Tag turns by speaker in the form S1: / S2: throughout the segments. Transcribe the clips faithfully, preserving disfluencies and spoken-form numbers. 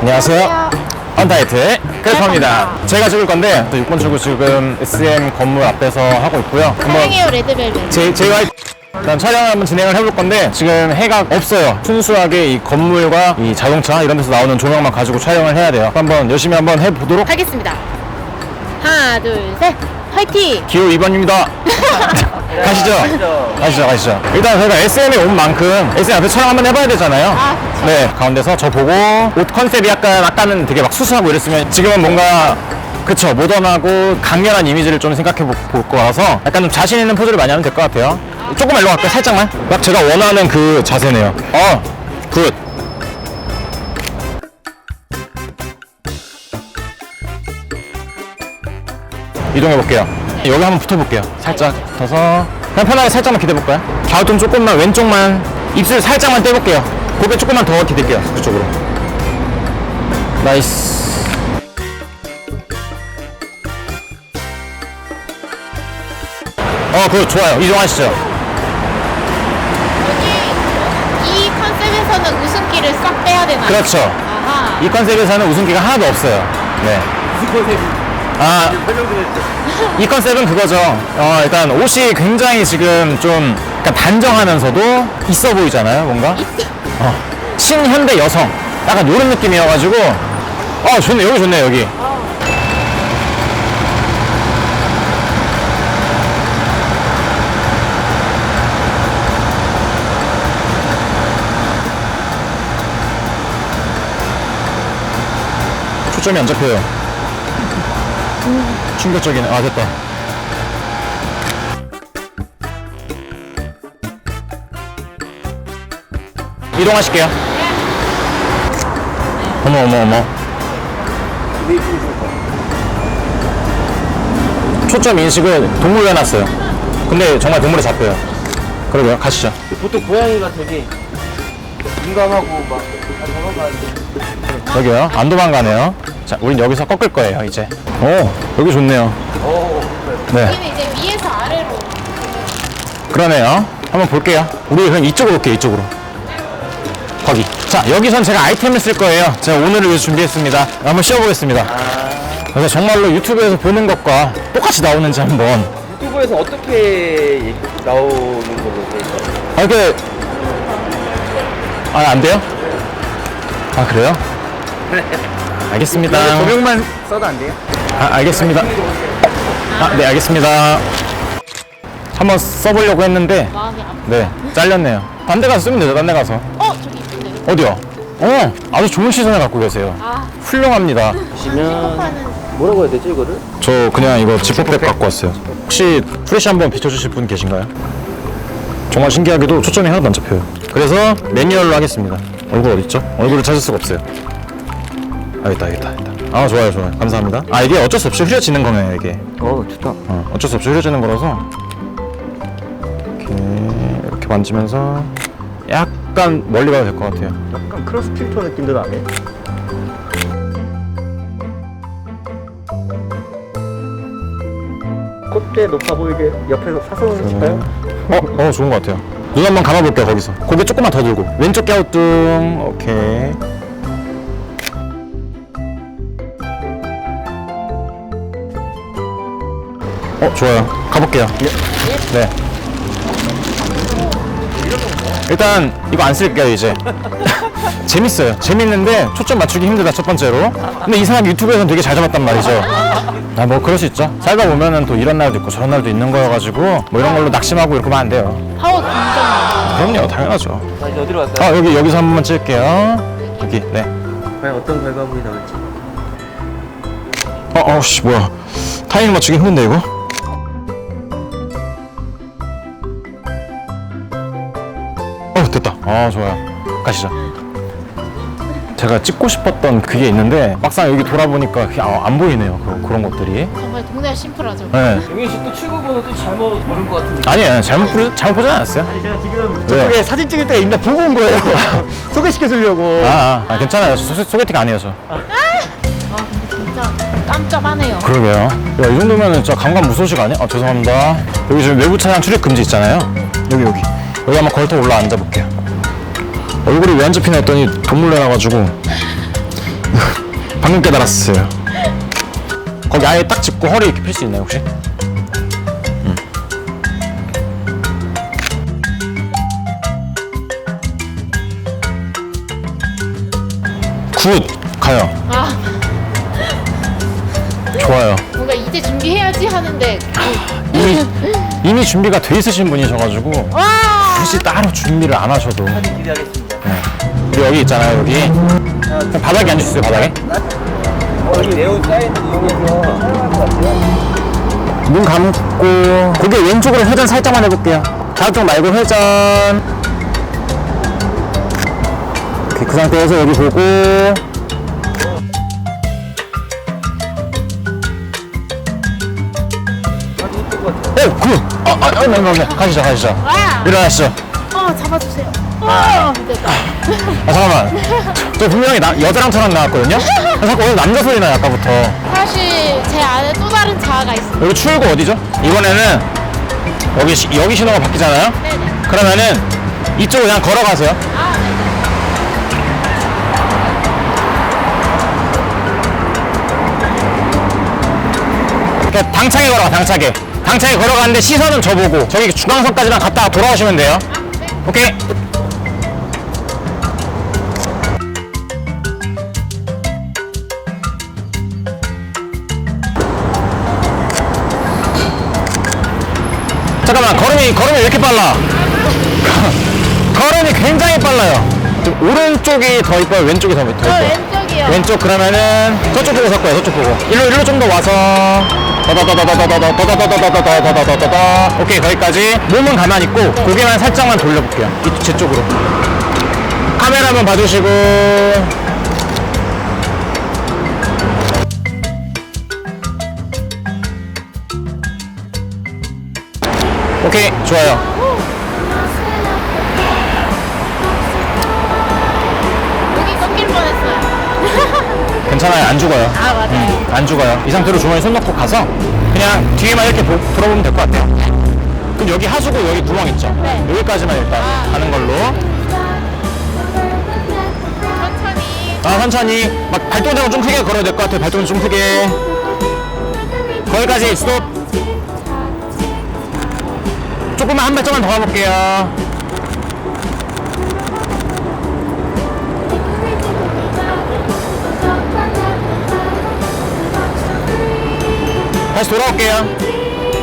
S1: 안녕하세요. 언타이트의 크래퍼입니다. 제가 찍을 건데 육 번 출구 지금 에스엠 건물 앞에서 하고 있고요.
S2: 사랑해요 레드벨벳.
S1: 제, 제이와이피 일단 촬영을 한번 진행을 해볼 건데 지금 해가 없어요. 순수하게 이 건물과 이 자동차 이런 데서 나오는 조명만 가지고 촬영을 해야 돼요. 한번 열심히 한번 해보도록
S2: 하겠습니다. 하나 둘 셋 화이팅!
S1: 기호 이 번입니다. 가시죠. 가시죠, 가시죠. 일단 저희가 에스엠에 온 만큼 에스엠 앞에 촬영 한번 해봐야 되잖아요.
S2: 아, 그쵸.
S1: 네, 가운데서 저 보고 옷 컨셉이 약간 아까는 되게 막 수수하고 이랬으면 지금은 뭔가 그쵸, 모던하고 강렬한 이미지를 좀 생각해 볼 거라서 약간 좀 자신 있는 포즈를 많이 하면 될 것 같아요. 조금만 일로 갈까요? 살짝만? 딱 제가 원하는 그 자세네요. 어, 굿. 이동해 볼게요. 여기 한번 붙어볼게요. 살짝 붙어서 그냥 편하게 살짝만 기대볼까요? 갸우뚱 조금만 왼쪽만 입술 살짝만 떼볼게요. 고개 조금만 더 기댈게요. 그쪽으로. 나이스. 어, 그거 좋아요. 이동하시죠.
S2: 여기 이 컨셉에서는 웃음기를 싹 빼야 되나요?
S1: 그렇죠.
S2: 아하.
S1: 이 컨셉에서는 웃음기가 하나도 없어요. 네.
S3: 무슨 컨셉이?
S1: 아,
S3: 설명 좀 해주세요.
S1: 이 컨셉은 그거죠. 어, 일단 옷이 굉장히 지금 좀 약간 단정하면서도 있어 보이잖아요, 뭔가. 어, 신현대 여성. 약간 이런 느낌이어가지고. 어, 좋네, 여기 좋네, 여기. 초점이 안 잡혀요. 충격적이네. 아, 됐다. 이동하실게요. 어머, 어머, 어머. 초점 인식을 동물로 해놨어요. 근데 정말 동물에 잡혀요. 그러고요. 가시죠.
S3: 보통 고양이가 되게 민감하고 막 도망가는데
S1: 여기요. 안 도망가네요. 자, 우린 여기서 꺾을 거예요, 이제. 오, 여기 좋네요. 네.
S2: 여기는 이제 위에서 아래로.
S1: 그러네요. 한번 볼게요. 우리 그럼 이쪽으로 올게요, 이쪽으로. 거기. 자, 여기선 제가 아이템을 쓸 거예요. 제가 오늘을 위해서 준비했습니다. 한번 씌워보겠습니다. 그래서 정말로 유튜브에서 보는 것과 똑같이 나오는지 한번.
S3: 유튜브에서 어떻게 나오는 걸로 돼 있어요?
S1: 아, 이렇게. 아, 안 돼요? 아, 그래요? 알겠습니다.
S3: 조명만 써도 안 돼요?
S1: 아, 알겠습니다. 아, 네, 알겠습니다. 한번 써보려고 했는데,
S2: 마음이 아파.
S1: 네, 잘렸네요. 딴 데 가서 쓰면 되죠, 딴 데 가서.
S2: 어 저기 있는데.
S1: 어디요? 어, 아주 좋은 시선을 갖고 계세요.
S2: 아
S1: 훌륭합니다.
S3: 보시면
S2: 하는
S3: 뭐라고 해야 되지 이거를?
S1: 저 그냥 이거 지퍼백 갖고 왔어요. 혹시 프레시 한번 비춰주실 분 계신가요? 정말 신기하게도 초점이 하나도 안 잡혀요. 그래서 매뉴얼로 하겠습니다. 얼굴 어딨죠? 얼굴을 찾을 수가 없어요. 아, 있다, 있다, 있다. 아, 좋아요, 좋아요. 감사합니다. 아, 이게 어쩔 수 없이 흐려지는 거네요, 이게.
S3: 어 좋다.
S1: 어, 어쩔 수 없이 흐려지는 거라서. 이렇게, 이렇게 만지면서 약간 멀리 가도 될 것 같아요.
S3: 약간 크로스 필터 느낌도 나네. 콧대 높아 보이게 옆에서 사선을 칠까요?
S1: 어, 어, 좋은 것 같아요. 눈 한번 감아볼게요, 거기서. 고개 조금만 더 들고. 왼쪽 갸우뚱. 오케이. 어, 좋아요. 가볼게요. 네. 일단, 이거 안 쓸게요, 이제. 재밌어요. 재밌는데, 초점 맞추기 힘들다, 첫 번째로. 근데 이상하게 유튜브에서는 되게 잘 잡았단 말이죠. 아, 뭐, 그럴 수 있죠. 살다 보면은 또 이런 날도 있고 저런 날도 있는 거여가지고, 뭐 이런 걸로 낙심하고 이렇게 하면 안 돼요.
S2: 파워 공정.
S1: 그럼요, 당연하죠.
S3: 자 이제 어디로 갈까요?
S1: 아, 여기, 여기서 한 번만 찍을게요. 여기, 네.
S3: 과연 어떤 결과물이 나올지.
S1: 어, 어, 씨, 뭐야. 타이밍 맞추기 힘든데, 이거? 어, 됐다. 아, 좋아요. 가시죠. 제가 찍고 싶었던 그게 있는데, 막상 여기 돌아보니까 그게 아, 안 보이네요. 그, 그런 것들이.
S2: 정말 동네가 심플하죠.
S1: 네.
S3: 영희 씨또 출구번호 또 잘못 고른 것 같은데.
S1: 아니에요. 잘못, 부르, 잘못 보지 않았어요.
S3: 아니 제가 지금
S1: 왜?
S3: 저쪽에 사진 찍을 때가 있나 보고 온 거예요. 소개시켜 주려고.
S1: 아, 아, 아, 괜찮아요. 소, 소개팅 아니에요, 저.
S2: 아 근데 진짜 깜깜하네요.
S1: 그러게요. 야, 이 정도면은 진짜 강간 무소식 아니야? 아, 죄송합니다. 여기 지금 외부 차량 출입 금지 있잖아요. 여기, 여기. 여기 한번 걸터 올라 앉아볼게요. 얼굴이 왜 안 잡히나 했더니 동물 내놔가지고 방금 깨달았어요. 거기 아예 딱 짚고 허리 이렇게 필 수 있나요 혹시? 음. 굿! 가요.
S2: 아,
S1: 좋아요.
S2: 뭔가 이제 준비해야지 하는데.
S1: 이미, 이미 준비가 돼 있으신 분이셔가지고
S2: 와!
S1: 굳이 따로 준비를 안 하셔도.
S3: 사진 기대하겠습니다.
S1: 우리 여기 있잖아요 여기. 그냥 바닥에 앉으세요 바닥에.
S3: 어, 여기 네온 사인 이용해서 사용할 것 같아요.
S1: 눈 감고 고개 왼쪽으로 회전 살짝만 해볼게요. 좌쪽 말고 회전. 오케이, 그 상태에서 여기 보고 오! 굿! 아, 아, 아, 네, 네, 네. 가시죠 가시죠.
S2: 와!
S1: 일어나시죠.
S2: 어, 잡아주세요. 와! 됐다.
S1: 아 잠깐만, 저 분명히 나, 여자랑처럼 나왔거든요? 아, 자꾸 오늘 남자 소리 나요 아까부터.
S2: 사실 제 안에 또 다른 자아가 있습니다.
S1: 여기 출구 어디죠? 이번에는 여기 시- 여기 신호가 바뀌잖아요?
S2: 네네.
S1: 그러면은 이쪽으로 그냥 걸어가세요.
S2: 아, 네네.
S1: 그러니까 당차게 걸어가 당차게 당차게 걸어가는데 시선은 저보고 저기 중앙선까지만 갔다가 돌아오시면 돼요. 오케이. 잠깐만, 걸음이 걸음이 왜 이렇게 빨라? 걸음이 굉장히 빨라요. 좀 오른쪽이 더 이뻐요, 왼쪽이 더, 더
S2: 저
S1: 이뻐요?
S2: 왼쪽이요.
S1: 왼쪽. 그러면은 저쪽 보고 섞어요. 저쪽 보고 일로 일로 좀 더 와서 더더더더더더더더더더더더더더더더. 오케이, 거기까지. 몸은 가만히 있고 고개만 살짝만 돌려볼게요. 이 제 쪽으로. 카메라 한번 봐주시고. 오케이, 좋아요.
S2: 여기 꺾일 뻔했어요.
S1: 괜찮아요, 안 죽어요.
S2: 아, 맞아요.
S1: 음, 안 죽어요. 이 상태로 주머니 손 넣고 가서 그냥 뒤에만 이렇게 보, 돌아보면 될 것 같아요. 그럼 여기 하수구 여기 구멍 있죠?
S2: 네.
S1: 여기까지만 일단
S2: 아.
S1: 가는 걸로.
S2: 천천히.
S1: 아, 천천히. 막 발동작은 좀 크게 걸어야 될 것 같아요. 발동은 좀 크게. 거기까지 스톱. 조금만 한 발짝만 더 가볼게요. 다시 돌아올게요.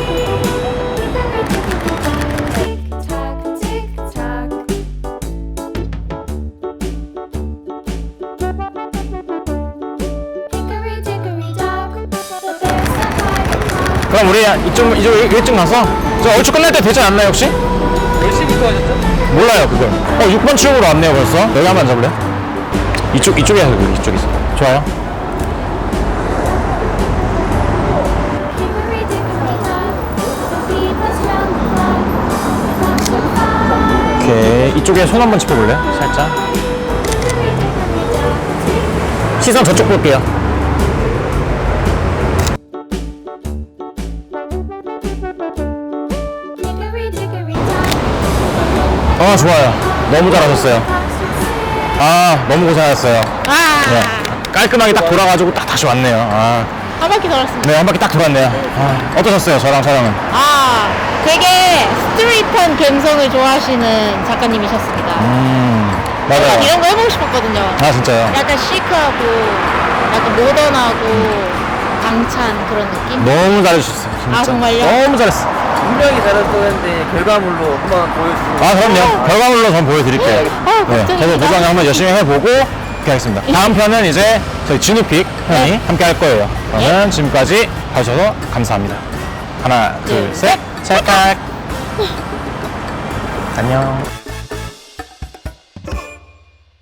S1: 그럼 우리 이쪽, 이쪽, 이쪽 가서 저 얼추 끝날 때 되지 않나요 혹시?
S3: 몇 시부터 하셨죠?
S1: 몰라요 그걸. 어 육 번 출구로 왔네요 벌써. 여기 한번 앉아볼래요? 이쪽, 이쪽에 하고 이쪽에서. 좋아요. 오케이, 이쪽에 손 한번 짚어볼래요? 살짝. 시선 저쪽 볼게요. 아, 좋아요. 너무 잘하셨어요. 아, 너무 고생하셨어요.
S2: 아,
S1: 네. 깔끔하게 딱 돌아가지고 딱 다시 왔네요. 아,
S2: 한 바퀴 돌았습니다.
S1: 네, 한 바퀴 딱 돌았네요. 아, 어떠셨어요, 저랑 촬영은?
S2: 아, 되게 스트릿한 감성을 좋아하시는 작가님이셨습니다.
S1: 음,
S2: 약간
S1: 맞아요.
S2: 이런 거 해보고 싶었거든요.
S1: 아, 진짜요?
S2: 약간 시크하고, 약간 모던하고, 당찬 그런 느낌?
S1: 너무 잘해주셨어요, 진짜.
S2: 아, 정말요?
S1: 너무 잘했어.
S3: 분명히 잘했었는데 결과물로 한번 보여주시면.
S1: 아, 그럼요. 결과물로 전 보여드릴게요.
S2: 아,
S1: 네,
S2: 걱정이다.
S1: 저도 보강 한번 열심히 해보고 이렇게 하겠습니다. 다음 편은 이제 저희 진우픽 형이
S2: 네.
S1: 함께 할 거예요. 그러면 지금까지 봐주셔서 감사합니다. 하나, 둘,
S2: 둘,
S1: 셋, 찰칵. 안녕.